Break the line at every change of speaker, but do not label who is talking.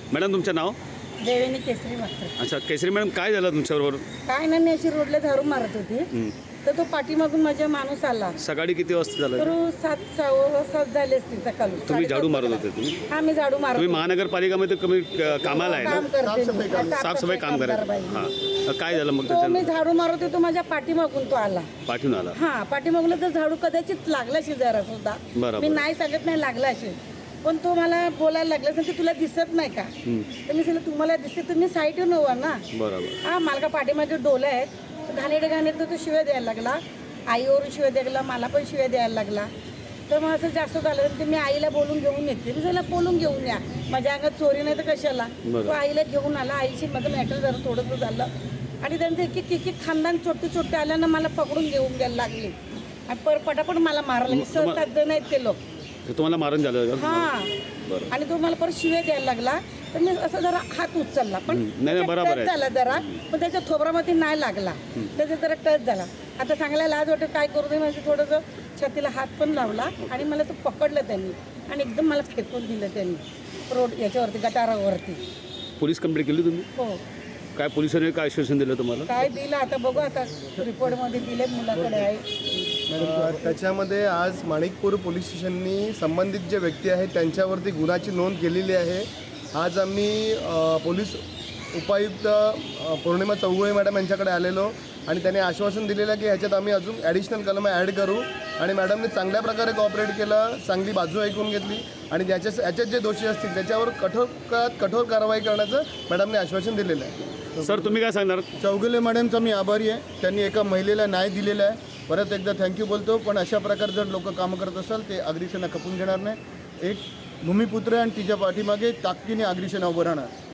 Madam तुमचं नाव?
देवेनी केसरी मास्तर.
अच्छा केसरी मॅडम, काय झालं तुमच्याबरोबर?
काय नाही, मी अशी रोडला झाडू मारत होती तर तो पाठीमागून माझा माणूस आला.
सकाळी किती वाजता झालं?
तर 7 झाले असतील सकाळी.
तुम्ही झाडू मारत होते? तुम्ही
हा, मी झाडू मारत
तुम्ही
होते.
महानगरपालिकामध्ये कमी कामाला आहे
काम
ना?
करते मी.
साफसफाई काम करायचं.
बाई.
हां, काय झालं मग
तो मी
त्याच्या?
झाडू मारत होतो, माझ्या पाठीमागून तो आला.
पाठवून आला?
हा, पाठीमागून तर झाडू कदाचित लागला असेल जरा सुद्धा.
बरोबर.
मी नाही सांगत नाही लागला असेल, पण तो मला बोलायला लागला की तुला दिसत नाही का? तर मी सांगितलं तुम्हाला दिसते, तुम्ही साईडवर नव्हा ना.
बरोबर.
हा, मला का पाठीमागे डोले आहेत, घाणेरडे तो शिव्या द्यायला लागला. आईवरून शिव्या द्यायला लागला, मला पण शिव्या द्यायला लागला. तर मग असं जास्त झालं तर मी आईला बोलून घेऊन येते. मी त्याला बोलून घेऊन या, माझ्या अंगात चोरी नाही तर कशाला. तो आईला घेऊन आला. आईशी माझं मॅटर जरा थोडंसं झालं आणि त्यांचं एक खानदान छोटे आल्यानं मला पकडून घेऊन घ्यायला लागले आणि पटापट मला मारायला. 6-7 जण आहेत ते लोक.
तुम्हाला मारून झालं?
हा, आणि तो मला परत शिव्या द्यायला लागला. तर मी असं जरा हात उचलला, पण
नाही, बरोबर आहे.
झाला जरा, पण त्याच्या थोबरामध्ये नाही लागला. त्याचा जरा टच झाला. आता सांगायला लाज वाटते, काय करू दे. म्हणजे थोडंसं छातीला हात पण लावला आणि मला असं पकडलं त्यांनी आणि एकदम मला फेकून दिलं त्यांनी रोड याच्यावरती, गटारावरती.
पोलीस कंप्लेंट केली तुम्ही?
हो.
काय पोलिसांनी काय आश्वासन दिलं तुम्हाला?
काय दिलं आता बघू, आता रिपोर्टमध्ये दिले, मुलाकडे आहे.
त्याच्यामध्ये आज माणिकपूर पोलीस स्टेशननी संबंधित जे व्यक्ती आहेत त्यांच्यावरती गुन्ह्याची नोंद केलेली आहे. आज आम्ही पोलीस उपायुक्त पौर्णिमा चौगुळे मॅडम यांच्याकडे आलेलो आणि त्यांनी आश्वासन दिलेलं की ह्याच्यात आम्ही अजून ॲडिशनल कलम ॲड करू आणि मॅडमने चांगल्या प्रकारे कॉपरेट केलं, चांगली बाजू ऐकून घेतली आणि याच्यात जे दोषी असतील त्याच्यावर कठोर कारवाई करण्याचं मॅडमने आश्वासन दिलेलं आहे.
सर तुम्ही काय सांगणार?
चौगुले मॅडमचा मी आभारी आहे. त्यांनी एका महिलेला न्याय दिलेला आहे. परत एकदा थँक्यू बोलतो. पण अशा प्रकारे जर लोक कामं करत असाल ते अग्रिसेना खपून घेणार नाही. एक भूमिपुत्र आणि तिच्या पाठीमागे ताकदीने अग्रिसेना उभं राहणार.